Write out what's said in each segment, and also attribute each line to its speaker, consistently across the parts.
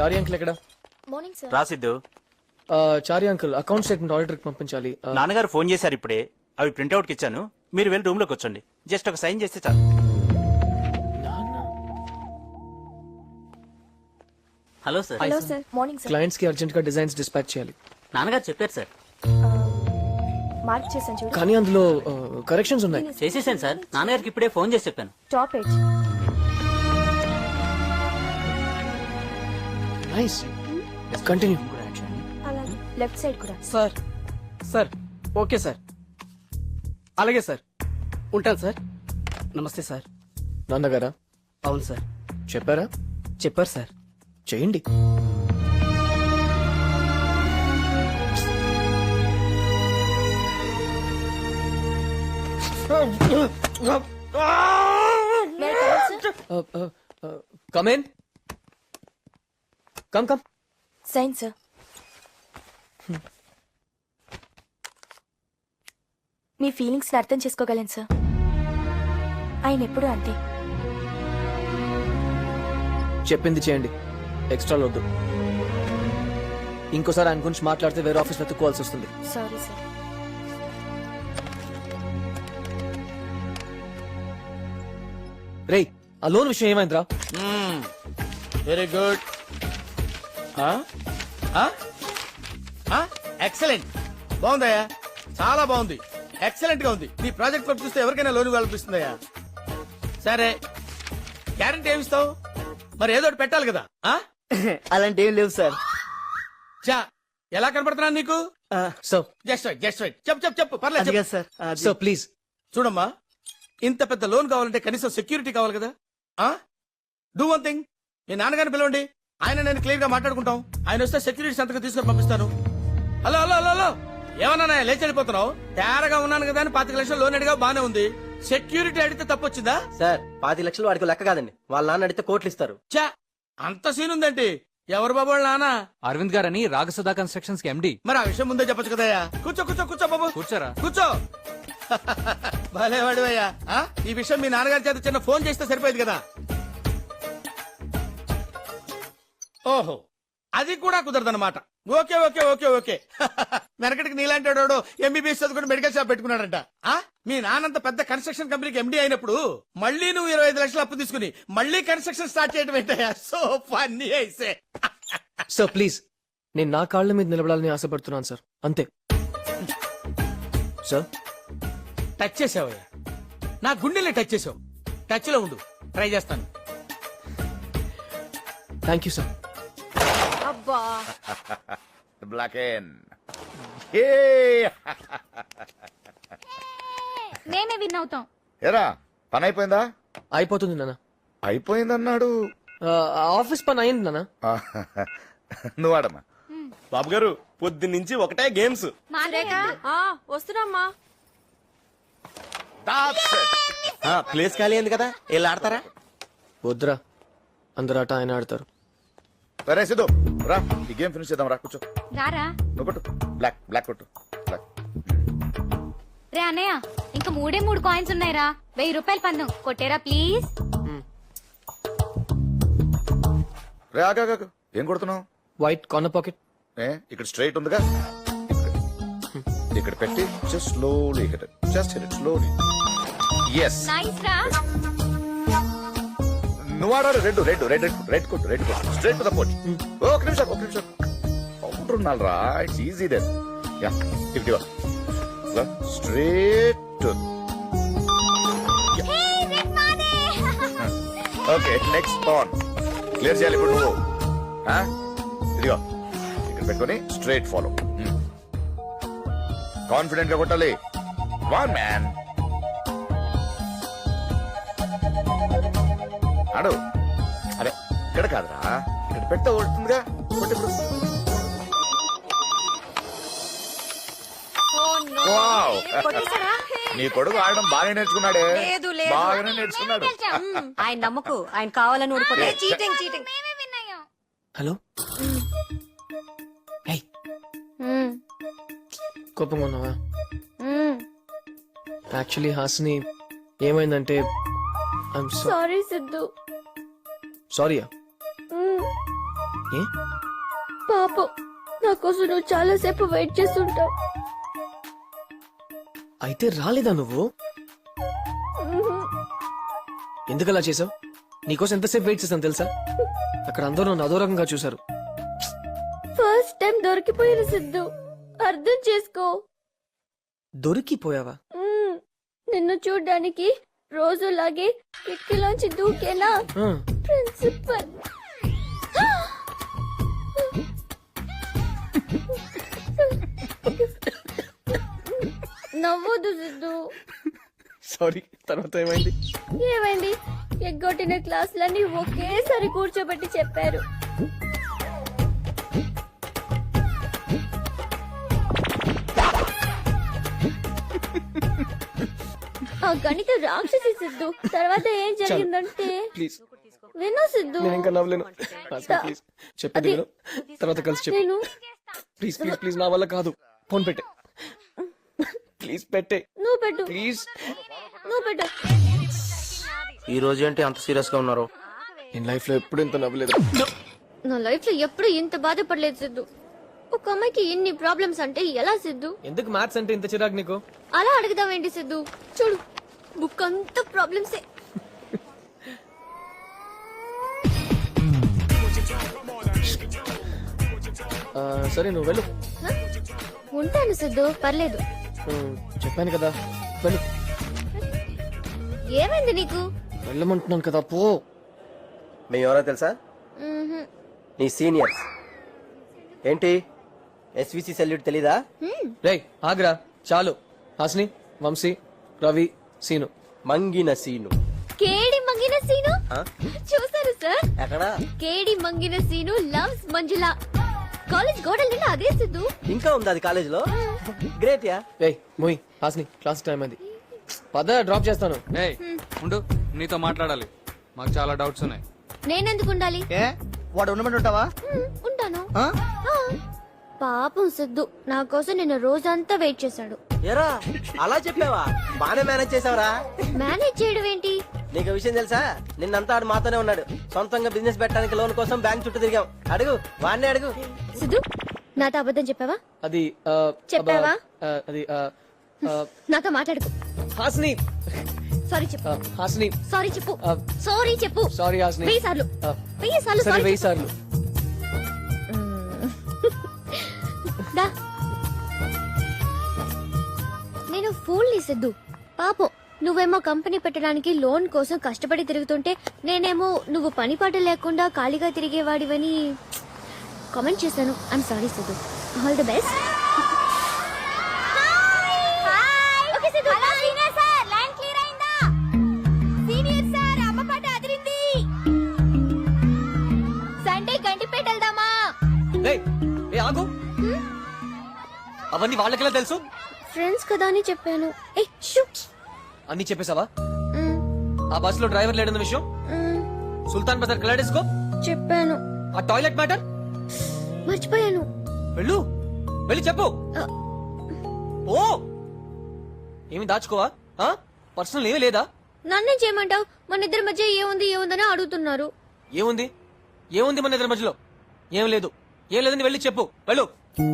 Speaker 1: చారి uncle ఎక్కడ?
Speaker 2: Morning sir.
Speaker 3: రాసిద్దు.
Speaker 1: Chari uncle account statement auditor కి పంపించాలి.
Speaker 3: నాన్నగారు ఫోన్ చేశారు ఇప్పుడే. అవి ప్రింట్అవుట్ కి ఇచ్చాను. మీరు వెళ్ళి రూమ్ లోకి వచ్చండి. జస్ట్ ఒక సైన్ చేస్తే చాలు.
Speaker 4: Hello sir.
Speaker 2: Hello sir. Morning sir.
Speaker 1: Clients కి అర్జెంట్ గా డిజైన్స్ డిస్పాచ్ చేయాలి.
Speaker 4: నాన్నగారు చెప్పారు సార్.
Speaker 2: మార్క్ చేశాను చూడు.
Speaker 1: కానీ అందులో కరెక్షన్స్ ఉన్నాయి.
Speaker 4: చేసేసాను సార్. నాన్నగారికి ఇప్పుడే ఫోన్ చేసి చెప్పాను.
Speaker 2: Top edge.
Speaker 1: నైస్. కంటిన్యూ.
Speaker 2: అలాగే లెఫ్ట్ సైడ్ కూడా.
Speaker 5: సార్ సార్ ఓకే సార్, అలాగే సార్, ఉంటాను సార్. నమస్తే సార్.
Speaker 1: నాన్నగారా?
Speaker 5: అవును సార్.
Speaker 1: చెప్పారా?
Speaker 5: చెప్పారు సార్.
Speaker 1: చేయండి. Come in. Come come.
Speaker 2: Sign sir. మీ ఫీలింగ్స్ ని అర్థం చేసుకోగలను సార్. ఆయన ఎప్పుడు అంతే.
Speaker 1: చెప్పింది చేయండి, ఎక్స్ట్రా వద్దు. ఇంకోసారి ఆయన గురించి మాట్లాడితే వేరే ఆఫీస్ వెతుక్కోవాల్సి వస్తుంది.
Speaker 2: Sorry sir.
Speaker 1: రేయ్, ఆ లోన్ విషయం ఏమైందిరా?
Speaker 6: Very good. ఎక్సలెంట్. బాగుందయ్యా, చాలా బాగుంది. ఎక్సలెంట్ గా ఉంది. నీ ప్రాజెక్ట్ వర్క్ చూస్తే ఎవరికైనా లోన్ కల్పిస్తుందయ్యా. సరే, గ్యారంటీ ఏమిస్తావు? మరి ఏదో ఒకటి పెట్టాలి కదా.
Speaker 5: అలాంటి ఏం లేవు సార్.
Speaker 6: చా, ఎలా కనపడుతున్నాను నీకు?
Speaker 1: So
Speaker 6: just right, just right. చెప్పు చెప్పు చెప్పు, పర్లేదు చెప్పు.
Speaker 5: సార్
Speaker 1: సో ప్లీజ్
Speaker 6: చూడమ్మా, ఇంత పెద్ద లోన్ కావాలంటే కనీసం సెక్యూరిటీ కావాలి కదా. డూ వన్ థింగ్, మీ నాన్నగారిని పిలవండి. ఆయన నేను క్లియర్ గా మాట్లాడుకుంటాం. ఆయన వస్తే సెక్యూరిటీ సంతకం తీసుకొని పంపిస్తాను. హలో హలో హలో హలో, ఏమన్నా లేచి వెళ్ళిపోతున్నావు? తేరగా ఉన్నాను కదా అని 25 లక్షలు లోన్ అడిగా బానే ఉంది. సెక్యూరిటీ అడిగితే తప్పొచ్చిందా?
Speaker 5: సార్ 25 లక్షలు వాడికి లెక్క కాదండి. వాళ్ళ నాన్న అడిగితే కోట్లు ఇస్తారు.
Speaker 6: చా, అంత సీన్ ఉందంటే ఎవరు బాబు వాళ్ళ నాన్న?
Speaker 7: అరవింద్ గారని రాగసుధా కన్స్ట్రక్షన్స్ కి ఎండి.
Speaker 6: మరి ఆ విషయం ముందే చెప్పొచ్చు కదయ్యా. కూర్చో కూర్చో కూర్చో బాబు,
Speaker 7: కూర్చోరా.
Speaker 6: కూర్చో. భలేవాడు అయ్యా. ఈ విషయం మీ నాన్నగారి చేత చిన్న ఫోన్ చేస్తే సరిపోయేది కదా. ఓహో, అది కూడా కుదరదన్నమాట. Okay okay okay okay. వెనకటికి నీలాంటి వాడు ఎంబీబీఎస్ చదువుకుని మెడికల్ షాప్ పెట్టుకున్నాడంట. మీ నాన్నంత పెద్ద కన్స్ట్రక్షన్ కంపెనీకి ఎండీ అయినప్పుడు మళ్ళీ నువ్వు 25 లక్షలు అప్పు తీసుకుని మళ్ళీ కన్స్ట్రక్షన్ స్టార్ట్ చేయడం ఏంటయ్యా? సో ఫన్నీ అయితే.
Speaker 1: సార్ ప్లీజ్, నేను నా కాళ్ళ మీద నిలబడాలని ఆశపడుతున్నాను సార్, అంతే. సార్
Speaker 6: టచ్ చేసావయ్యా, నా గుండెలే టచ్ చేసావు. టచ్ లో ఉండు, ట్రై చేస్తాను.
Speaker 1: Thank you sir.
Speaker 2: అబ్బా,
Speaker 8: బ్లాక్ ఎన్.
Speaker 2: మేమే విన్ అవుతాం.
Speaker 8: ఏరా, పని అయిపోయిందా?
Speaker 1: అయిపోతుంది నాన్న.
Speaker 8: అయిపోయిందన్నాడు.
Speaker 1: ఆఫీస్ పని అయింది నాన్న.
Speaker 8: నువ్వు ఆడమ్మా.
Speaker 9: బాబు గారు పొద్దున్నుంచి ఒకటే గేమ్స్.
Speaker 2: వస్తున్నామ్మా.
Speaker 9: ప్లేస్ ఖాళీ అయింది కదా, వెళ్ళి ఆడతారా?
Speaker 1: వద్దురా, అందరు ఆట ఆయన ఆడతారు.
Speaker 8: సరే సిద్ధు, రా ఈ గేమ్ ఫినిష్ చేద్దాం. రా కూర్చో.
Speaker 2: రారా.
Speaker 8: నువ్వు కొట్టు, బ్లాక్ బ్లాక్ కొట్టు. బ్లాక్.
Speaker 2: రే అన్నయ్య, ఇంకా 3 కాయిన్స్ ఉన్నాయిరా. 1000 రూపాయలు పందెం కొట్టేరా ప్లీజ్.
Speaker 8: రే ఆగా, ఏం కొడుతున్నావు?
Speaker 1: White corner pocket.
Speaker 8: ఇక్కడ స్ట్రైట్ ఉందిగా, ఇక్కడ పెట్టి just slowly hit it. Just hit it slowly. Yes,
Speaker 2: nice రా.
Speaker 8: నువ్వు ఆడారు. రెడ్ రెడ్ రెడ్ రెడ్ కొట్టు, రెడ్ కొట్టు. Straight to the pot. ఒక నిమిషం కౌంటర్ ఉండాలి రా. It's easy then. Yeah, if straight to. Okay, next pan clear చేయాలి ఇప్పుడు నువ్వు. ఇదిగో ఇక్కడ పెట్టుకొని స్ట్రైట్ ఫాలో. కాన్ఫిడెంట్ గా కొట్టాలి. వన్ మ్యాన్ ఆడు. అరే ఇక్కడ కాదురా, ఇక్కడ పెడితే కొడుతుందిగా. కొట్టిప్పుడు వావ్, నీ కొడుకు ఆడడం బాగా నేర్చుకున్నాడే. బాగానే నేర్చుకున్నాడు.
Speaker 10: ఆయన నమ్మకు, ఆయన కావాలని ఊడిపోతే చీటింగ్.
Speaker 1: హలో. హే, కోపంగా ఉన్నావా? యాక్చువల్లీ హాసిని ఏమైందంటే
Speaker 2: సారీ సిద్ధు.
Speaker 1: సారీయా? ఏ
Speaker 2: పాపం నా కోసం నువ్వు చాలా సేపు వెయిట్ చేస్తుంటావు.
Speaker 1: అయితే రాలేదా నువ్వు? ఎందుకు అలా చేసావు? నీకోసం ఎంతసేపు వెయిట్ చేశాను తెలుసా? అక్కడ అందరూ నన్ను అదో రకంగా చూశారు.
Speaker 2: ఫస్ట్ టైం దొరికిపోయిన సిద్ధు, అర్థం చేసుకో.
Speaker 1: దొరికిపోయావా?
Speaker 2: నిన్ను చూడ్డానికి రోజులాగే కిటికీలోంచి దూకేనా
Speaker 1: ఆ,
Speaker 2: ప్రిన్సిపల్. నవ్వొద్దు సిద్ధు.
Speaker 1: సారీ. తర్వాత ఏమైంది?
Speaker 2: ఏమైంది? ఎగ్గొట్టిన క్లాసులన్నీ ఒకేసారి కూర్చోబెట్టి చెప్పారు. ఆ గణిత రాక్షసి సిద్ధు. తర్వాత ఏం జరిగిందంటే
Speaker 1: ప్లీజ్
Speaker 2: విను సిద్ధు.
Speaker 1: నేను ఇంకా నవ్వలేను. ప్లీజ్ చెప్పేది విను. తర్వాత కలిసి చెప్పు.
Speaker 2: నేను
Speaker 1: ప్లీజ్ ప్లీజ్ ప్లీజ్ నా వల్ల కాదు. ఫోన్ పెట్టే. ప్లీజ్ పెట్టే.
Speaker 2: నువ్వు పెట్టు,
Speaker 1: ప్లీజ్.
Speaker 2: నువ్వు పెట్టు.
Speaker 9: ఈ రోజు ఏంటి అంత సీరియస్ గా ఉన్నారు?
Speaker 1: నేను లైఫ్ లో ఎప్పుడు ఇంత నవ్వలేదు.
Speaker 2: నా లైఫ్ లో ఎప్పుడు ఇంత బాధపడలేదు సిద్ధు. ఒక అమ్మాయికి ఇన్ని ప్రాబ్లమ్స్ అంటే ఎలా సిద్ధు?
Speaker 1: ఎందుకు మ్యాథ్స్ అంటే ఇంత చిరాకు నీకు?
Speaker 2: అలా అడుగుదామేంటి సిద్ధు? చూడు, బుక్ అంతా ప్రాబ్లమ్సే.
Speaker 1: సరే నువ్వు వెళ్ళు.
Speaker 2: ఉంటాను సిద్ధు, పర్లేదు.
Speaker 1: చెప్పాను కదా వెళ్ళు.
Speaker 2: ఏమైంది నీకు?
Speaker 1: వెళ్ళమంటున్నాను కదా పో.
Speaker 9: మేము ఎవరో తెలుసా?
Speaker 2: మ్మ్హ్మ్.
Speaker 9: నీ సీనియర్స్. ఏంటి ఎస్విసి సెల్యూట్ తెలీదా?
Speaker 1: రేయ్ ఆగ్రా చాలు. హాస్ని, వంశీ, రవి, సీను.
Speaker 9: మంగిన సీను.
Speaker 2: కేడి మంగిన సీను
Speaker 9: ఆ?
Speaker 2: చూసారు సార్?
Speaker 9: ఎక్కడా?
Speaker 2: కేడి మంగిన సీను లవ్స్ మంజుల. కాలేజ్ గోడల నిండా అదే సిద్ధు.
Speaker 9: ఇంకా ఉంది అది కాలేజ్ లో. Great yeah.
Speaker 1: రేయ్ మోయ్, హాస్ని క్లాస్ టైం అయింది. పద డ్రాప్ చేస్తాను.
Speaker 7: ఏయ్ ఉండు, నీతో మాట్లాడాలి. మాకు చాలా డౌట్స్ ఉన్నాయి.
Speaker 2: నేనెందుకు ఉండాలి?
Speaker 6: వాడు ఉండమంటే ఉంటావా?
Speaker 2: ఉంటాను. ఆ. పాపం సిద్ధు నా కోసం నిన్న రోజంతా వెయిట్ చేశాడు.
Speaker 9: ఎరా అలా చెప్పావా? బానే మేనేజ్ చేసావరా.
Speaker 2: మేనేజ్ చేయడం ఏంటి?
Speaker 9: నీకు విషయం తెలుసా? నిన్నంతా ఆడు మాతోనే ఉన్నాడు. సొంతంగా బిజినెస్ పెట్టడానికి లోన్ కోసం బ్యాంక్ చుట్టూ తిరిగాం. అడుగు, వాడిని అడుగు.
Speaker 2: సిద్ధు నాతో అబద్ధం చెప్పావా?
Speaker 1: అది
Speaker 2: చెప్పావా?
Speaker 1: అది
Speaker 2: నాతో మాట్లాడుకు.
Speaker 1: హాస్ని.
Speaker 2: సారీ చెప్పు.
Speaker 1: హాస్ని
Speaker 2: సారీ చెప్పు. సారీ చెప్పు.
Speaker 1: సారీ హాస్ని.
Speaker 2: 1000 సార్లు 1000 సార్లు
Speaker 1: సరే
Speaker 2: సారీ
Speaker 1: 1000 సార్లు.
Speaker 2: దా. నేను ఫూల్ ని సిద్ధు. పాపం నువ్వేమో కంపెనీ పెట్టడానికి లోన్ కోసం కష్టపడి తిరుగుతుంటే నేనేమో నువ్వు పని పాట లేకుండా ఖాళీగా తిరిగేవాడివని కామెంట్ చేశాను. I'm sorry Siddhu. All the best. Sunday Gandipet వెళ్దామా?
Speaker 1: రేయ్ ఏ ఆగు. అవన్నీ వాళ్ళకెలా తెలుసు?
Speaker 2: ఫ్రెండ్స్ కదా అని చెప్పాను. ఏ షూ.
Speaker 1: అన్ని చెప్పేశావా? ఆ బస్ లో డ్రైవర్ లేడన్న విషయం, సుల్తాన్ బజార్ కలాడేసుకో
Speaker 2: చెప్పాను.
Speaker 1: ఆ టాయిలెట్ మ్యాటర్
Speaker 2: మర్చిపోయాను.
Speaker 1: వెళ్ళు, వెళ్ళి చెప్పు. ఓ ఏమి దాచుకోవా? పర్సనల్ ఏమీ లేదా?
Speaker 2: నన్నేం చేయమంటావు? మన ఇద్దరి మధ్య ఏముందని అడుగుతున్నారు.
Speaker 1: ఏముంది? ఏముంది మన ఇద్దరి మధ్యలో? ఏం లేదు. ఏం లేదని వెళ్ళి చెప్పు. వెళ్ళు.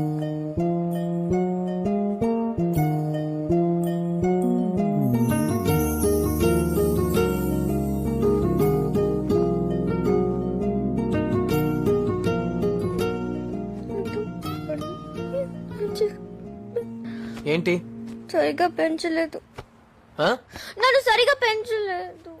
Speaker 1: ఏంటి?
Speaker 2: సరిగా పెంచలేదు. నన్ను సరిగా పెంచలేదు.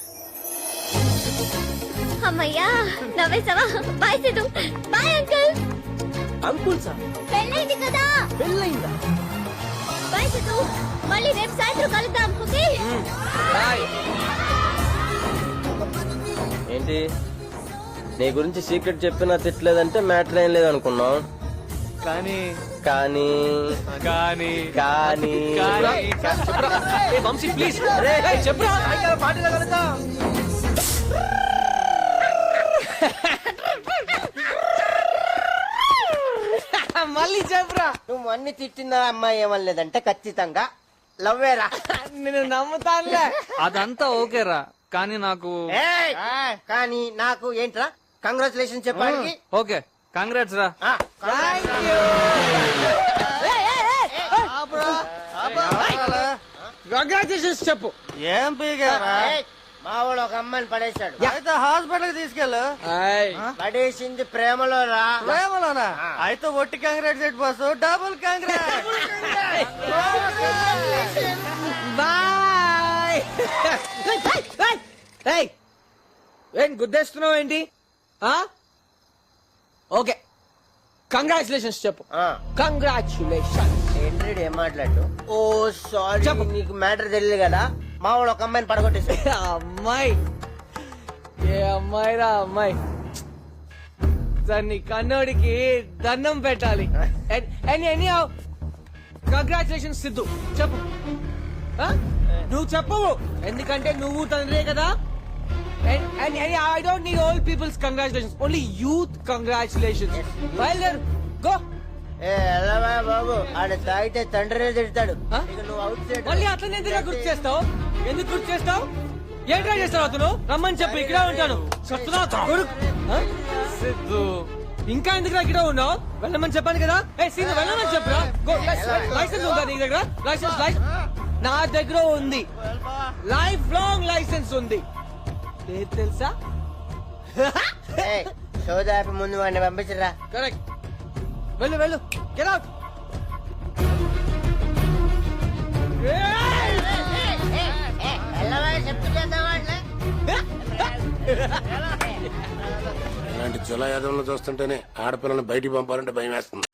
Speaker 2: అమ్మయ్యా నవ్వేసావా? Bye Siddhu. Bye uncle.
Speaker 9: Uncle sir
Speaker 2: పెళ్ళైంది కదా.
Speaker 9: పెళ్ళయిందా?
Speaker 2: బాయ్ సిద్ధు. మళ్ళీ రేపు సాయంత్రం కలుద్దాం. Okay
Speaker 1: bye.
Speaker 9: ఏంటి నీ గురించి సీక్రెట్ చెప్పినా తిట్టలేదంటే మ్యాటర్ ఏం లేదనుకున్నాం.
Speaker 1: కానీ
Speaker 9: కానీ
Speaker 1: కానీ
Speaker 9: కానీ
Speaker 1: ఏ వంశీ ప్లీజ్ చెప్పు.
Speaker 9: మళ్ళీ చెప్పురా. నువ్వు అన్ని తిట్టిన అమ్మాయి ఏమనలేదంటే ఖచ్చితంగా లవ్వేరా.
Speaker 1: నేను నమ్ముతానులే.
Speaker 7: అదంతా ఓకేరా, కానీ నాకు
Speaker 9: కానీ నాకు ఏంట్రా? కంగ్రాచులేషన్ చెప్పడానికి
Speaker 7: ఓకే కంగ్రాట్స్ రా.
Speaker 5: కంగ్రాచులేషన్స్ చెప్పు.
Speaker 9: ఏం పీగారా మా వాడు ఒక అమ్మాయిని పడేశాడు అయితే హాస్పిటల్ తీసుకెళ్ళు పడేసింది ప్రేమలో రా ప్రేమలోనా అయితే ఒట్టి congress set boss double congress
Speaker 5: boy. ఏం గుద్దేస్తున్నావు ఏంటి? ఓకే కంగ్రాచులేషన్స్ చెప్పు. కంగ్రాచులేషన్.
Speaker 9: ఏంట్రీడ్ ఏం మాట్లాడు? ఓ సారీ
Speaker 5: చెప్పు.
Speaker 9: నీకు మ్యాటర్ తెలియదు కదా మా వాడు ఒక అమ్మాయిని పడగొట్టేశాడు.
Speaker 5: అమ్మాయి ఏ అమ్మాయి రా అమ్మాయి. దాన్ని కన్నోడికి దండం పెట్టాలి. కంగ్రాచులేషన్ సిద్ధు చెప్పు. నువ్వు చెప్పవు ఎందుకంటే నువ్వు తండ్రే కదా. I don't need all peoples congratulations, only youth congratulations. బయలుదేరు గో.
Speaker 9: ఏ ఎల్లవా బాబు ఆడ తాగితే తండ్రినే తిడతాడు.
Speaker 5: ఆ?
Speaker 9: ఇక నువ్వు అవుట్ సైడ్
Speaker 5: మళ్ళీ అతను ఎందుకు గుర్తు చేస్తావు? ఎందుకు గుర్తు చేస్తావు? ఏం ట్రై చేస్తావు? అతను రమ్మని చెప్పు, ఇక్కడే ఉంటాను. చెప్తున్నా కొడుకు. సిద్ధు ఇంకా ఎందుకు ఇక్కడ ఉన్నావు? వెళ్ళమని చెప్పాను కదా. ఏ సీను వెళ్ళమని చెప్పురా. లైసెన్స్ ఉందా నీ దగ్గర? లైసెన్స్ నా దగ్గర ఉంది. లైఫ్ లాంగ్ లైసెన్స్ ఉంది. లేదు తెలుసా?
Speaker 9: సోదాపి ముందు వాడిని పంపించరా.
Speaker 5: కరెక్ట్. వెళ్ళు వెళ్ళు. Get out.
Speaker 6: ఇలాంటి జులా యాదవ్లను చూస్తుంటేనే ఆడపిల్లని బయటికి పంపాలంటే భయం వేస్తుంది.